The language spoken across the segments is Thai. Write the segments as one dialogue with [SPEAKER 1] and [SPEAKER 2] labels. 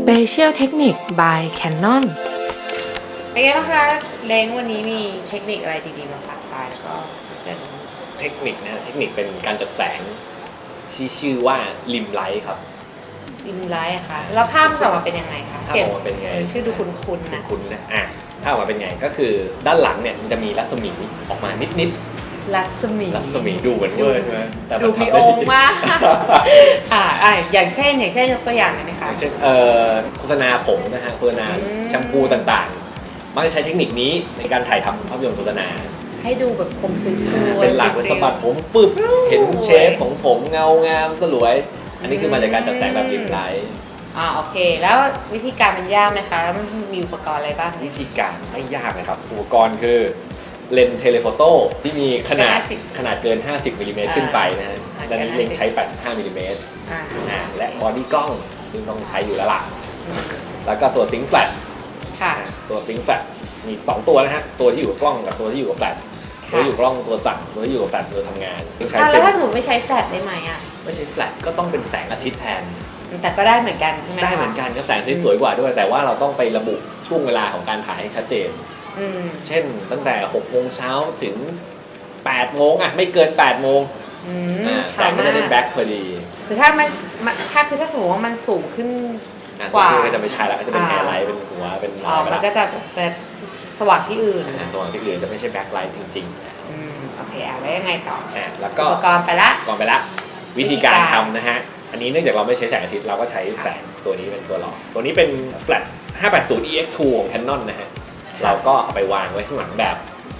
[SPEAKER 1] Special Technique by Canon
[SPEAKER 2] เป็นไงบ้างคะเล้งวันนี้มีเทคนิคอะไรดีๆมาฝากทรายแล้วก็เพื่อน
[SPEAKER 3] เทคนิคนะเทคนิคเป็นการจัดแสงที่ชื่อว่าริมไลท์ครับ
[SPEAKER 2] ริมไลท์ค่ะแล้วภาพมันจะออกมาเป็นยังไงคะ
[SPEAKER 3] ภาพออกมาเป็นไง
[SPEAKER 2] ชื่อดูคุ้นๆนะ
[SPEAKER 3] คุณนะถ้าออกมาเป็นไงก็คือด้านหลังเนี่ยมันจะมีรัศมีออกมานิด
[SPEAKER 2] รัศมี
[SPEAKER 3] รัศมีดูเหมือนเวอร์ใช่ไหมแต่
[SPEAKER 2] ดู
[SPEAKER 3] มัน
[SPEAKER 2] มี
[SPEAKER 3] ทำ
[SPEAKER 2] อ
[SPEAKER 3] ได้จ
[SPEAKER 2] ง
[SPEAKER 3] ริ
[SPEAKER 2] ค์
[SPEAKER 3] ง
[SPEAKER 2] มากอย่างเช่นยกตัวอย่างหน่อยไหมคะ
[SPEAKER 3] ๆเช่นโฆษณาผมนะฮะโฆษณาแชมพูต่างๆมักจะใช้เทคนิคนี้ในการถ่ายทำภาพยนตร์โฆษณา
[SPEAKER 2] ให้ดูแบบผมสวยๆ
[SPEAKER 3] เป็นหลักเป็นสะบัดผมฟึบเห็นเชฟของผมเงางามสลวย อันนี้คือมาจากการจัดแสงแบบริมไลท์
[SPEAKER 2] โอเคแล้ววิธีการมันยากไหมคะแล้วมันมีอุปกรณ์อะไรบ้าง
[SPEAKER 3] วิธีการไม่ยากนะครับอุปกรณ์คือเลนส์เทเลโฟโต้ที่มีขนาดเกิน 50 มิลลิเมตรขึ้นไปนะฮะด้านนี้เลนส์ใช้ 85 มิลลิเมตรและบอดี้กล้องซึ่งต้องใช้อยู่แล้วล่ะแล้วก็ตัวซิงค์แฟลช
[SPEAKER 2] ค่ะ
[SPEAKER 3] ตัวซิงค์แฟลชมี2ตัวนะฮะตัวที่อยู่กับกล้องกับตัวที่อยู่กับแฟลชตัวที่อยู่กับกล้องตัวสั่งตัวที่อยู่กับแฟลชตัวทำงาน
[SPEAKER 2] แล้วถ้าสมมติไม่ใช้แฟลชได้ไหม
[SPEAKER 3] ไม่ใช้แฟลชก็ต้องเป็นแสงอาทิตย์แทน
[SPEAKER 2] แต่ก็ได้เหมือนกันใช่ไหม
[SPEAKER 3] ได้เหมือนกันก็แสงสวยกว่าด้วยแต่ว่าเราต้องไประบุช่วงเวลาของการถ่ายให้ชัดเจนเช่นตั้งแต่6 โมงเช้าถึง8 โมงไม่เกิน8 โมงแสงก็จะได้แบ็คพอดี
[SPEAKER 2] คือถ้าสมมติว่ามันสูงขึ้น
[SPEAKER 3] กว่าก็จะไม่ใช่แล้วก็จะเป็นแฮร์ไลท์เป็นหัวเป็น
[SPEAKER 2] มันก็จะเป็นสว่างที่อื่น
[SPEAKER 3] สว่างที่อื่นจะไม่ใช่แบ็คไลท์จริง
[SPEAKER 2] โอเคแล้วยังไงต่อ
[SPEAKER 3] แล้วก็
[SPEAKER 2] อุปกรณ์ไปละ
[SPEAKER 3] วิธีการทำนะฮะอันนี้เนื่องจากเราไม่ใช้แสงอาทิตย์เราก็ใช้แสงตัวนี้เป็นตัวหลอกตัวนี้เป็น Flat 580 EX2 ของ Canon นะฮะเราก็เอาไปวางไว้ข้างหลังแบบ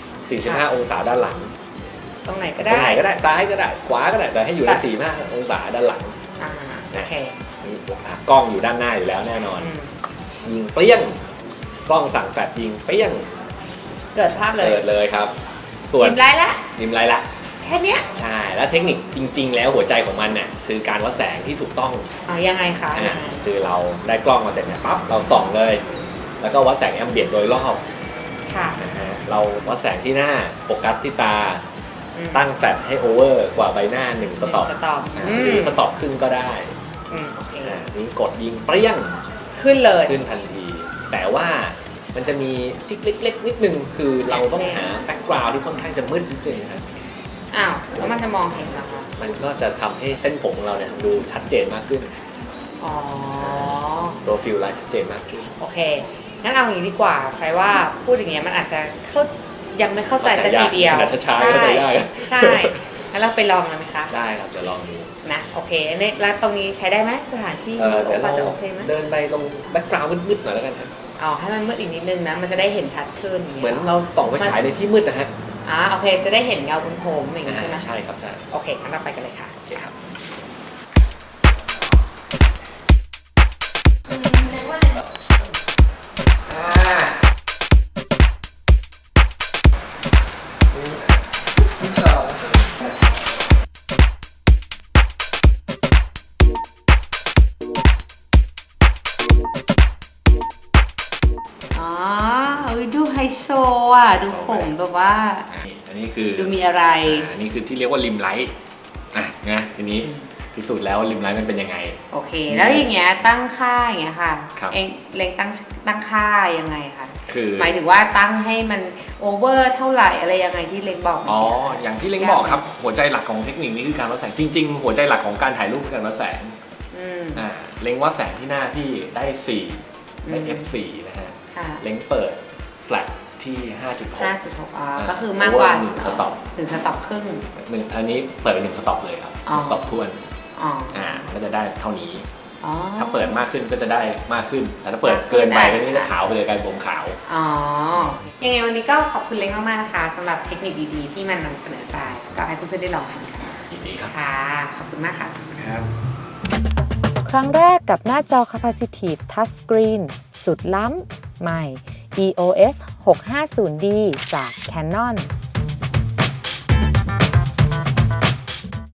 [SPEAKER 3] 45 องศาด้านหลัง
[SPEAKER 2] ตรงไหนก็ได้
[SPEAKER 3] ซ้ายก็ได้ขวาก็ได้แต่ให้อยู่ใน45 องศาด้านหลัง
[SPEAKER 2] โอเค
[SPEAKER 3] นี่กล้องอยู่ด้านหน้าอยู่แล้วแน่นอนยิงเปรี้ยงกล้องสั่งแฟลชยิงเปรี้ยง
[SPEAKER 2] เกิดภาพ
[SPEAKER 3] เลยครับส่วนริมไลท์ละ
[SPEAKER 2] แค่นี้
[SPEAKER 3] ใช่แล้วเทคนิคจริงๆแล้วหัวใจของมันน่ะคือการวัดแสงที่ถูกต้อง
[SPEAKER 2] ยังไงคะ
[SPEAKER 3] คือเราได้กล้องมาเสร็จเนี่ยปั๊บเราส่องเลยแล้วก็วัดแสงแอมเบียนต์โดยรอบ
[SPEAKER 2] ค่ะ
[SPEAKER 3] เราวัดแสงที่หน้าโฟกัสที่ตาตั้งแฟลชให้โอเวอร์กว่าใบหน้า1 สต็อปหรือสต็อปครึ่งก็ได้นี่กดยิงเปรี้ยง
[SPEAKER 2] ขึ้น
[SPEAKER 3] ทันทีแต่ว่ามันจะมีทิกเล็กๆนิดนึงคือเราต้องหาแบ็คกราวด์ที่ค่อนข้างจะมืดนิดนึงครับ
[SPEAKER 2] แล้วมันจะมองเห็นหรอคะ
[SPEAKER 3] มันก็จะทำให้เส้นผมของเราเนี่ยดูชัดเจนมากขึ้นโปรฟิลไลน์ชัดเจนมากขึ้น
[SPEAKER 2] โอเคงั้นเอาอย่างนี้ดีกว่าไฟว่าพูดอย่างเงี้ยมันอาจจะยังไม่เข้าใจสักทีเดียวใช่งั้นเราไปลองกันไหมคะ
[SPEAKER 3] ได้ครับเดี๋ยวลองดู
[SPEAKER 2] นะโอเคแล้วตรงนี้ใช้ได้ไหมสถานที่
[SPEAKER 3] เดี๋ยวเราจะโอเคไหมเดินไปตรงแบ็คกราวด์มืดๆหน่อยแล้วกันครับ
[SPEAKER 2] ให้มันมืดอีกนิดนึงนะมันจะได้เห็นชัดขึ้น
[SPEAKER 3] เหมือนเราส่องไฟฉายในที่มืดนะฮะ
[SPEAKER 2] โอเคจะได้เห็นเงาบนผมอย่างนี้ใช่ไหม
[SPEAKER 3] ใช่ครับใช่
[SPEAKER 2] โอเคงั้นเราไปกันเลยค่ะครับดูไฮโซดูผมแบบว่า
[SPEAKER 3] อันนี้คือ
[SPEAKER 2] ดูมีอะไร
[SPEAKER 3] อันนี้คือที่เรียกว่าริมไลท์นะทีนี้พิสูจน์แล้วริมไลท์มันเป็นยังไง
[SPEAKER 2] โอเคแล้วอย่างเงี้ยตั้งค่าอย่างเงี้ยค่ะเองเล็งตั้งค่ายังไงคะ
[SPEAKER 3] คือ
[SPEAKER 2] หมายถึงว่าตั้งให้มันโอเวอร์เท่าไหร่อะไรยังไงที่เล็งบอก
[SPEAKER 3] อย่างที่เล็งบอกครับหัวใจหลักของเทคนิคนี้คือการวัดแสงจริงๆหัวใจหลักของการถ่ายรูปคือการวัดแสงเล็งวัดแสงที่หน้าพี่ได้4ได้ f4 นะฮะเล็งเปิดแฟลชที่ 5.6
[SPEAKER 2] ก็คือมากกว่า
[SPEAKER 3] 1 สต็อป
[SPEAKER 2] 1 สต็อปครึ่ง
[SPEAKER 3] อันนี้เปิดเป็น1 สต็อปเลยครับสต็อปท้วนก็จะได้เท่านี้ถ้าเปิดมากขึ้นก็จะได้มากขึ้นแต่ถ้าเปิดเกินไปก็จะขาวไปเลยกลายเป็นผมขาว
[SPEAKER 2] ยังไงวันนี้ก็ขอบคุณเล้งมากๆนะคะสำหรับเทคนิคดีๆที่มันนำเสนอไปก็ให้เพื่อนๆได้ลองทำกัน
[SPEAKER 3] ยินดีครับ
[SPEAKER 2] ค่ะขอบคุณมากค่ะ
[SPEAKER 1] ครั้งแรกกับหน้าจอ Capacitive Touch Screen สุดล้ำใหม่ EOS 650D จาก Canon